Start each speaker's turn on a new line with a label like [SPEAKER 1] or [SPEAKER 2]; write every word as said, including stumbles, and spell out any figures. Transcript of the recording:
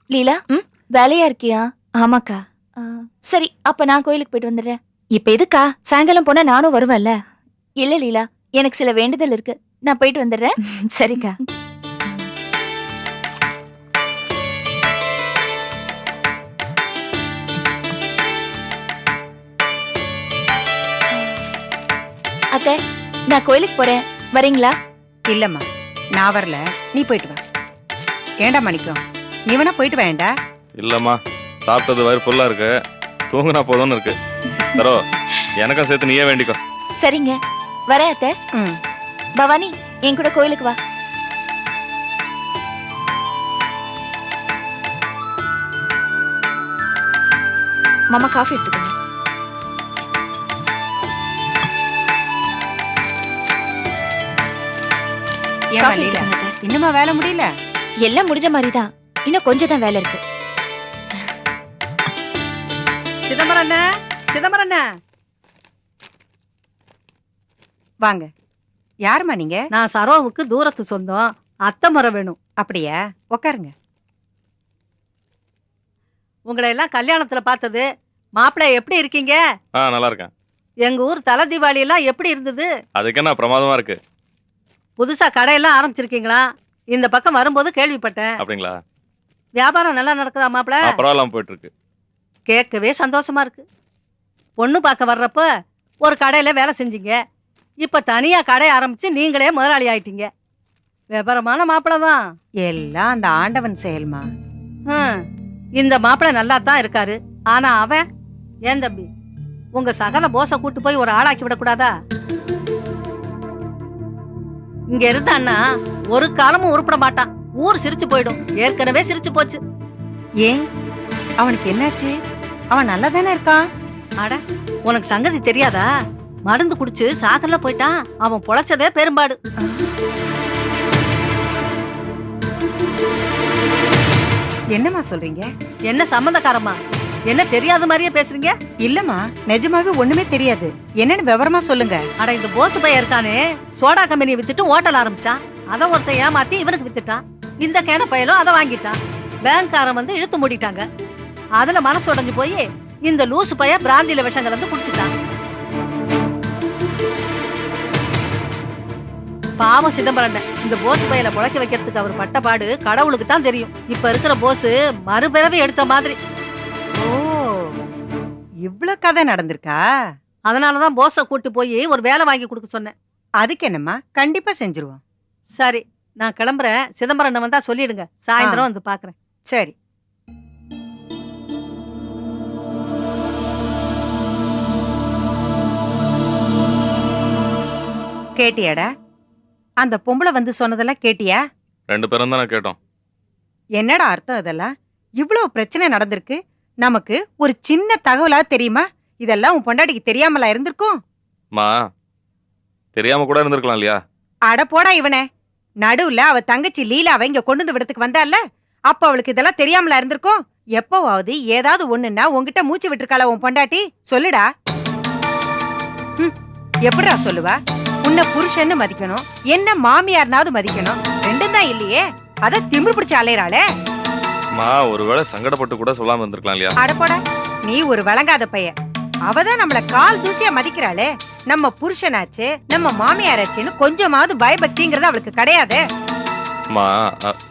[SPEAKER 1] லீலா, ம் வேலையா இருக்கியா?
[SPEAKER 2] ஆமாக்கா.
[SPEAKER 1] ஆ, சரி, அப்ப நான் கோயிலுக்கு போயிட்டு வந்துடுறேன்.
[SPEAKER 2] இப்ப எதுக்கா? சாயங்காலம் போனா நானும் வருவேன்ல.
[SPEAKER 1] இல்ல லீலா, எனக்கு சில வேண்டுதல் இருக்கு. நான் போயிட்டு வந்துடுறேன்.
[SPEAKER 2] சரிக்கா.
[SPEAKER 1] அத்தை, நான் கோயிலுக்கு போறேன். வரீங்களா?
[SPEAKER 3] இல்லம்மா, நான் வரல. நீ போயிட்டு வா. ஏண்டா மணிக்கம், நீ வேணா போயிட்டு வேண்டா.
[SPEAKER 4] இல்லம்மா, சாப்பிட்டது வயிறு ஃபுல்லா இருக்கு, தூங்குனா போதும்னு இருக்கு. தரோ, எனக்கும் சேர்த்து நீயே வேண்டிக்கோ.
[SPEAKER 1] சரிங்க, வரேன் அத்தை.
[SPEAKER 3] ம்.
[SPEAKER 1] பவானி, என் கூட கோயிலுக்கு வா.
[SPEAKER 2] மாமா காஃபி எடுத்துக்கோங்க.
[SPEAKER 3] ஏன்
[SPEAKER 2] காஃபி
[SPEAKER 3] லீலா,
[SPEAKER 2] எடுத்துக்கோங்க அத்தை.
[SPEAKER 3] இன்னுமா வேலை முடியல?
[SPEAKER 2] எல்லாம் முடிஞ்ச மாதிரிதான். இன்னும் கொஞ்சம் தான் வேலை இருக்கு.
[SPEAKER 3] சிதம்பரம் அண்ணா, சிதம்பரம் அண்ணா, வாங்க. யாருமா நீங்க?
[SPEAKER 5] நான் சரோவுக்கு தூரத்து சொந்தம். அத்தை முறை வேணும்.
[SPEAKER 3] அப்படியா? உட்காருங்க.
[SPEAKER 5] உங்களை எல்லாம் கல்யாணத்துல பார்த்தது. மாப்பிள்ளை எப்படி இருக்கீங்க?
[SPEAKER 4] ஆ, நல்லா இருக்கேன்.
[SPEAKER 5] எங்க ஊர் தலை தீபாவளி எல்லாம் எப்படி இருந்தது?
[SPEAKER 4] அதுக்கு என்ன பிரமாதமா இருக்கு.
[SPEAKER 5] புதுசா கடையெல்லாம் ஆரம்பிச்சிருக்கீங்களா? இந்த பக்கம் வரும்போது கேள்விப்பட்டேன்.
[SPEAKER 4] அப்படிங்களா?
[SPEAKER 5] வியாபாரம் நல்லா நடக்குதா மாப்பிள்ளை?
[SPEAKER 4] ஆ, பரவாயில்லாம போயிட்டு இருக்கு.
[SPEAKER 5] கேட்கவே சந்தோஷமா இருக்கு. பொண்ணு பார்க்க வர்றப்ப ஒரு கடையில வேலை செஞ்சீங்க. இப்ப தனியா கடை ஆரம்பிச்சு நீங்களே முதலாளி ஆயிட்டீங்க. விவரமான மாப்பிள்ளை தான்.
[SPEAKER 3] எல்லாம் அந்த ஆண்டவன் செயல்மா.
[SPEAKER 5] ஹம், இந்த மாப்பிள்ளை நல்லா தான் இருக்காரு. ஆனா அவன் ஏன் தம்பி, உங்க சகல போச கூட்டு போய் ஒரு ஆளாக்கி விடக்கூடாதா? இங்க இருந்தான்னா ஒரு காலமும் உருப்பட மாட்டான். ஊர் சிரிச்சு போயிடும். ஏற்கனவே சிரிச்சு போச்சு.
[SPEAKER 3] ஏன், அவனுக்கு என்னாச்சு? அவன் நல்லா தானே இருக்கான்.
[SPEAKER 5] அட, உனக்கு சங்கதி தெரியாதா? மருந்து குடிச்சு சாகல்ல போயிட்டான். அவன் பொழைச்சதே பெரும்பாடு.
[SPEAKER 3] என்னம்மா சொல்றீங்க?
[SPEAKER 5] என்ன சம்பந்தக்காரமா? என்ன தெரியாத மாதிரியே பேசுறீங்க?
[SPEAKER 3] இல்லம்மா, நிஜமாவே ஒண்ணுமே தெரியாது. என்னன்னு விவரமா சொல்லுங்க.
[SPEAKER 5] அட, இந்த போசு பையன் இருக்கானே, சோடா கம்பெனியை வித்துட்டு ஹோட்டல் ஆரம்பிச்சான். அதை ஒருத்தன் ஏமாத்தி இவனுக்கு வித்துட்டான். இந்த கேன பையலும் அதை வாங்கிட்டான். பேங்க்காரன் வந்து இழுத்து மூடிட்டாங்க. அதுல மனசு உடைஞ்சு போய் இந்த லூசு பைய பிராந்தியில விஷம் கலந்து குடிச்சுட்டான். பாவம் சிதம்பரம். இந்த போஸ் பையல புழைக்க வைக்கிறதுக்கு அவர் பட்ட பாடு கடவுளுக்கு தான் தெரியும். இப்ப இருக்கிற போஸ் மறுபிறவி எடுத்த மாதிரி.
[SPEAKER 3] ஓ, இவ்வளவு கதை நடந்திருக்கா?
[SPEAKER 5] அதனாலதான் போஸ கூட்டு போய் ஒரு வேலை வாங்கி கொடுக்க சொன்னேன்.
[SPEAKER 3] அதுக்கு என்னம்மா, கண்டிப்பா செஞ்சிருவோம்.
[SPEAKER 5] சரி, நான் கிளம்புறேன். சிதம்பரம் வந்தா சொல்லிடுங்க. சாயந்தரம் வந்து பாக்குறேன்.
[SPEAKER 3] சரி. கேட்டியாடா? அந்த பொம்பளை வந்து சொன்னதெல்லாம் கேட்டியா?
[SPEAKER 4] ரெண்டு பேரும் தானே கேட்டோம்.
[SPEAKER 3] என்னடா அர்த்தம் இதெல்லாம்? இவ்வளவு பிரச்சனை நடந்திருக்கு. நமக்கு ஒரு சின்ன தகவலா தெரியுமா? இதெல்லாம் உன் பொண்டாட்டிக்கு தெரியாமலா இருந்திருக்கும்?
[SPEAKER 4] மா, தெரியாம கூட இருந்திருக்கலாம் இல்லையா?
[SPEAKER 3] அட போடா இவனே. நடுவுல அவ தங்கச்சி லீலாவை இங்க கொண்டு வந்து விடத்துக்கு வந்தால, அப்ப அவளுக்கு இதெல்லாம் தெரியாமலா இருந்திருக்கும்? எப்பவாவது ஏதாவது ஒண்ணுன்னா உன்கிட்ட மூச்சு விட்டுருக்காளா உன் பொண்டாட்டி? சொல்லுடா. எப்படிடா சொல்லுவா? உன்னை புருஷன்னு மதிக்கணும், என்ன மாமியார்னாவது மதிக்கணும். ரெண்டும் தான் இல்லையே. அத திமிரு பிடிச்ச அலையறாளே.
[SPEAKER 4] மா, ஒருவேளை சங்கடப்பட்டு கூட சொல்லாம இருந்திருக்கலாம் இல்லையா?
[SPEAKER 3] அட போடா, நீ ஒரு வழங்காத பையன். அவதான் நம்மள கால் தூசியா மதிக்கிறாளே. நம்ம புருஷனாச்சு, நம்ம மாமியாராச்சுன்னு கொஞ்சமாவது பயபக்திங்கிறது அவளுக்கு கிடையாது.
[SPEAKER 4] மா,